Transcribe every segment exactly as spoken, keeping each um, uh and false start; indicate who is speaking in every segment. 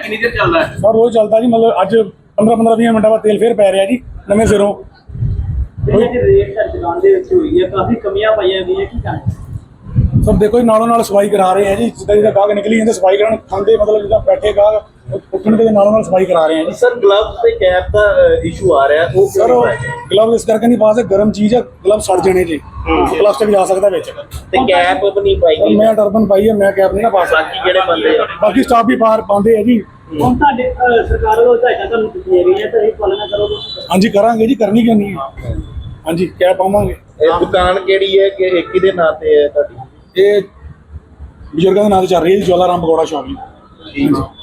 Speaker 1: कितनी देर चल रहा है?
Speaker 2: सर रोज चलता जी, मतलब अज पंद्रह पंद्रह बीस मिनट बाद तेल फिर पै रहा जी नवे सिरों। सर देखो जी नालों नाल सफाई करा रहे हैं जी, जिदा जिदा गाहक निकली जाते सफाई कराने, खाते मतलब जिदा बैठे गाहक उठन के नालों नाल सफाई करा रहे हैं जी।
Speaker 3: सर ग्लव्स ते कैप का इशू आ रहा है, वो
Speaker 2: सर ग्लव इस करके नहीं पा सकते, गर्म चीज है, ग्लव सड़ जाने जी, प्लास्टिक जा सकता विच।
Speaker 3: ते कैप भी नहीं पाई गई।
Speaker 2: मैं टर्बन पाई है, मैं कैप नहीं ना पा सकता।
Speaker 3: बाकी जेड़े बंदे
Speaker 2: बाकी स्टाफ भी पार पाते हैं जी।
Speaker 4: ਹੁਣ ਤੁਹਾਡੇ ਸਰਕਾਰ ਵੱਲੋਂ ਹਦਾਇਤਾਂ ਤੁਹਾਨੂੰ ਦਿੱਤੀਆਂ ਗਈਆਂ ਤਾਂ ਇਹ ਪਾਲਣਾ ਕਰੋਗੇ?
Speaker 2: हाँ जी करांगे जी, करनी क्यों नहीं है। हाँ जी कैप पावांगे।
Speaker 3: ਇਹ ਦੁਕਾਨ ਕਿਹੜੀ ਹੈ ਕਿ ਇੱਕ ਹੀ ਦੇ ਨਾਂ ਤੇ ਹੈ ਤੁਹਾਡੀ?
Speaker 2: ये ਬਜ਼ੁਰਗਾਂ ਦੇ ਨਾਂ ਤੇ ਚੱਲ ਰਹੀ ਹੈ ਜੀ, ਜਵਾਲਾ ਰਾਮ ਪਕੌੜਾ ਸ਼ੌਪ ਜੀ।
Speaker 3: ਠੀਕ ਹੈ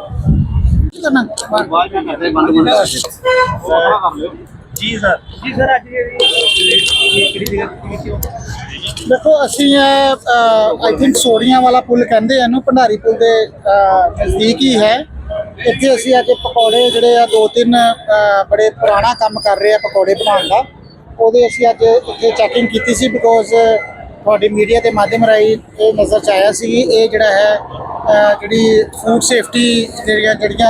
Speaker 3: ਜੀ ਸਰ।
Speaker 4: ਜੀ ਸਰ ਅੱਜ ਜਿਹੜੀ ਕਿਹੜੀ ਜਗ੍ਹਾ ਤੇ ਹੋ?
Speaker 5: देखो असी आई थिंक सोड़ियां वाला पुल कहते हैं भंडारी पुल के नज़दीक ही है। इतने असी अज पकौड़े जोड़े दो तीन बड़े पुराना काम कर रहे हैं पकौड़े बनाने का, वो असी अज इतने चैकिंग की सी बिकॉज थोड़ी मीडिया के माध्यम राही ये नज़र च आया सी ये जोड़ा है जी फूड सेफ्टी जड़ियाँ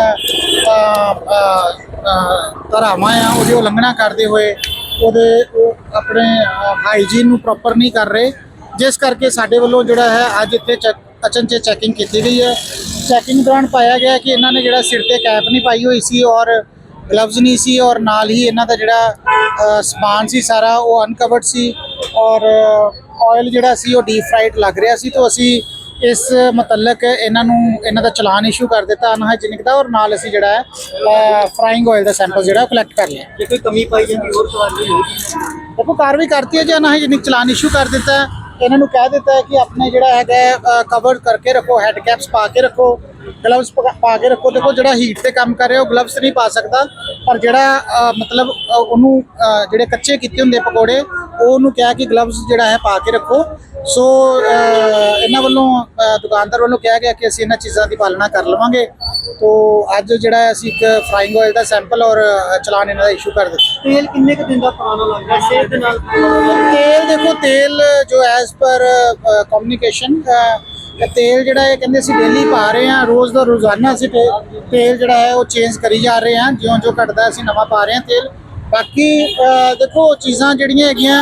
Speaker 5: धारावां आ वो उलंघना करते हुए ਉਹਦੇ ਉਹ ਆਪਣੇ ਹਾਈਜੀਨ ਨੂੰ ਪ੍ਰੋਪਰ ਨਹੀਂ ਕਰ ਰਹੇ, ਜਿਸ ਕਰਕੇ ਸਾਡੇ ਵੱਲੋਂ ਜਿਹੜਾ ਹੈ ਅੱਜ ਇੱਥੇ ਅਚਨਚੇਤ ਚੈਕਿੰਗ ਕੀਤੀ ਗਈ ਹੈ। ਚੈਕਿੰਗ ਦੌਰਾਨ ਪਾਇਆ ਗਿਆ ਕਿ ਇਹਨਾਂ ਨੇ ਜਿਹੜਾ ਸਿਰ ਤੇ ਕੈਪ ਨਹੀਂ ਪਾਈ ਹੋਈ ਸੀ ਔਰ ਗਲਵਜ਼ ਨਹੀਂ ਸੀ, ਔਰ ਨਾਲ ਹੀ ਇਹਨਾਂ ਦਾ ਜਿਹੜਾ ਸਮਾਨ ਸੀ ਸਾਰਾ ਉਹ ਅਨਕਵਰਡ ਸੀ ਔਰ ਆਇਲ ਜਿਹੜਾ ਸੀ ਉਹ ਡੀਪ ਫਰਾਈਡ ਲੱਗ ਰਿਹਾ ਸੀ। ਤਾਂ ਅਸੀਂ ਇਸ ਮੁਤਲਕ ਇਹਨਾਂ ਨੂੰ ਇਹਨਾਂ ਦਾ ਚਲਾਨ ਇਸ਼ੂ ਕਰ ਦਿੱਤਾ ਅਨਹਾਈਜੀਨਿਕ ਦਾ, ਔਰ ਨਾਲ ਅਸੀਂ ਜਿਹੜਾ ਹੈ ਫਰਾਈਂਗ ਆਇਲ ਦਾ ਸੈਂਪਲ ਜਿਹੜਾ ਕਲੈਕਟ ਕਰ ਲਿਆ।
Speaker 4: ਜੇ ਕੋਈ ਕਮੀ ਪਾਈ ਜਾਂਦੀ ਹੋਰ ਸਵਾਲ ਹੋਊਗੀ?
Speaker 5: ਦੇਖੋ ਕਾਰਵਾਈ ਕਰਤੀ ਹੈ ਜੀ, ਅਨਹਾਈਜੀਨਿਕ ਚਲਾਨ ਇਸ਼ੂ ਕਰ ਦਿੱਤਾ ਹੈ। ਇਹਨਾਂ ਨੂੰ ਕਹਿ ਦਿੱਤਾ ਹੈ ਕਿ ਆਪਣੇ ਜਿਹੜਾ ਹੈਗਾ ਕਵਰ ਕਰਕੇ ਰੱਖੋ, ਹੈਡ ਕੈਪਸ ਪਾ ਕੇ ਰੱਖੋ, ਗਲਵਸ ਪਾ ਕੇ ਰੱਖੋ। ਦੇਖੋ ਜਿਹੜਾ ਹੀਟ ਤੇ ਕੰਮ ਕਰ ਰਿਹਾ ਉਹ ਗਲਵਸ ਨਹੀਂ ਪਾ ਸਕਦਾ, ਪਰ ਜਿਹੜਾ ਮਤਲਬ ਉਹਨੂੰ ਜਿਹੜੇ ਕੱਚੇ ਕੀਤੇ ਹੁੰਦੇ ਪਕੌੜੇ ਉਹ ਉਹਨੂੰ ਕਿਹਾ ਕਿ ਗਲਵਸ ਜਿਹੜਾ ਹੈ ਪਾ ਕੇ ਰੱਖੋ। ਸੋ ਇਹਨਾਂ ਵੱਲੋਂ ਦੁਕਾਨਦਾਰ ਵੱਲੋਂ ਕਿਹਾ ਗਿਆ ਕਿ ਅਸੀਂ ਇਹਨਾਂ ਚੀਜ਼ਾਂ ਦੀ ਪਾਲਣਾ ਕਰ ਲਵਾਂਗੇ। ਤੋ ਅੱਜ ਜਿਹੜਾ ਅਸੀਂ ਇੱਕ ਫਰਾਈਂਗ ਆਇਲ ਦਾ ਸੈਂਪਲ ਔਰ ਚਲਾਨ ਇਹਨਾਂ ਦਾ ਇਸ਼ੂ ਕਰ ਦਿੱਤਾ।
Speaker 4: ਤੇਲ ਕਿੰਨੇ ਕੁ ਦਿਨ ਦਾ ਪੁਰਾਣਾ ਲੱਗਦਾ ਸਿਹਤ ਦੇ ਨਾਲ?
Speaker 5: ਤੇਲ ਦੇਖੋ ਤੇਲ ਜੋ ਐਜ਼ ਪਰ ਕਮਿਊਨੀਕੇਸ਼ਨ ਤੇਲ ਜਿਹੜਾ ਇਹ ਕਹਿੰਦੇ ਅਸੀਂ ਡੇਲੀ ਪਾ ਰਹੇ ਹਾਂ, ਰੋਜ਼ ਦਾ ਰੋਜ਼ਾਨਾ ਅਸੀਂ ਤੇਲ ਜਿਹੜਾ ਹੈ ਉਹ ਚੇਂਜ ਕਰੀ ਜਾ ਰਹੇ ਹਾਂ, ਜਿਉਂ ਜਿਉਂ ਘਟਦਾ ਅਸੀਂ ਨਵਾਂ ਪਾ ਰਹੇ ਹਾਂ ਤੇਲ। ਬਾਕੀ ਦੇਖੋ ਚੀਜ਼ਾਂ ਜਿਹੜੀਆਂ ਹੈਗੀਆਂ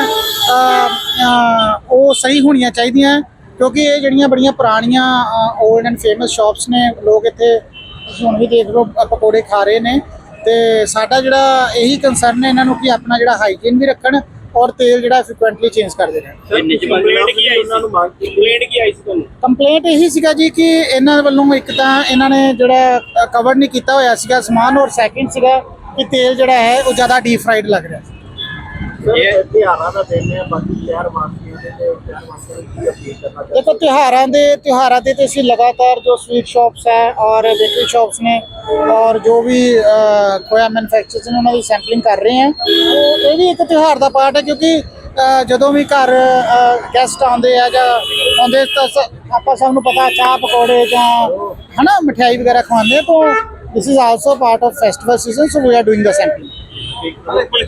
Speaker 5: ਉਹ ਸਹੀ ਹੋਣੀਆਂ ਚਾਹੀਦੀਆਂ, ਕਿਉਂਕਿ ਇਹ ਜਿਹੜੀਆਂ ਬੜੀਆਂ ਪੁਰਾਣੀਆਂ ਓਲਡ ਐਂਡ ਫੇਮਸ ਸ਼ਾਪਸ ਨੇ, ਲੋਕ ਇੱਥੇ ਤੁਸੀਂ ਹੁਣ ਵੀ ਦੇਖ ਲਓ ਪਕੌੜੇ ਖਾ ਰਹੇ ਨੇ। ਤੇ ਸਾਡਾ ਜਿਹੜਾ ਇਹੀ ਕੰਸਰਨ ਹੈ ਇਹਨਾਂ ਨੂੰ ਕਿ ਆਪਣਾ ਜਿਹੜਾ ਹਾਈਜੀਨ ਵੀ ਰੱਖਣ ਔਰ ਤੇਲ ਜਿਹੜਾ ਫ੍ਰੀਕੁਐਂਟਲੀ ਚੇਂਜ ਕਰਦੇ ਰਹਿਣ।
Speaker 1: ਕੰਪਲੇਂਟ ਕੀ ਆਈ ਉਹਨਾਂ ਨੂੰ ਮੰਗ ਕੰਪਲੇਂਟ ਕੀ ਆਈ ਸੀ ਤੁਹਾਨੂੰ?
Speaker 5: ਕੰਪਲੇਂਟ ਇਹੀ ਸੀਗਾ ਜੀ ਕਿ ਇਹਨਾਂ ਵੱਲੋਂ ਇੱਕ ਤਾਂ ਇਹਨਾਂ ਨੇ ਜਿਹੜਾ ਕਵਰ ਨਹੀਂ ਕੀਤਾ ਹੋਇਆ ਸੀਗਾ ਸਮਾਨ, ਔਰ ਸੈਕਿੰਡ ਸੀਗਾ ਕਿ ਤੇਲ ਜਿਹੜਾ ਹੈ ਉਹ ਜ਼ਿਆਦਾ ਡੀਪ ਫਰਾਈਡ ਲੱਗ ਰਿਹਾ ਸੀ।
Speaker 3: ਇਹ ਤਿਉਹਾਰਾਂ ਦਾ ਦਿਨ ਹੈ, ਬਾਕੀ ਸ਼ਹਿਰ ਵਾਸੀਆਂ ਦੇ ਤੇ ਸ਼ਹਿਰ ਵਾਸੀਆਂ ਨੂੰ ਕੀ ਅਪੀਲ ਕਰਨਾ ਚਾਹੁੰਦੇ?
Speaker 5: ਦੇਖੋ ਤਿਉਹਾਰਾਂ ਦੇ ਤਿਉਹਾਰਾਂ ਦੇ ਤੇ ਅਸੀਂ ਲਗਾਤਾਰ ਜੋ ਸਵੀਟ ਸ਼ਾਪਸ ਹੈ ਔਰ ਬੇਕਰੀ ਸ਼ਾਪਸ ਨੇ ਔਰ ਜੋ ਵੀ ਖੋਇਆ ਮੈਨੂਫੈਕਚਰਰਸ ਨੇ ਉਹਨਾਂ ਦੀ ਸੈਂਪਲਿੰਗ ਕਰ ਰਹੇ ਹਾਂ। ਇਹ ਵੀ ਇੱਕ ਤਿਉਹਾਰ ਦਾ ਪਾਰਟ ਹੈ, ਕਿਉਂਕਿ ਜਦੋਂ ਵੀ ਘਰ ਗੈਸਟ ਆਉਂਦੇ ਆ ਜਾਂ ਆਉਂਦੇ ਤਾਂ ਆਪਾਂ ਸਭ ਨੂੰ ਪਤਾ ਚਾਹ ਪਕੌੜੇ ਜਾਂ ਹੈ ਨਾ ਮਿਠਾਈ ਵਗੈਰਾ ਖਵਾਉਂਦੇ ਆ, ਤਾਂ this is also part of festival season, so we are doing the sampling.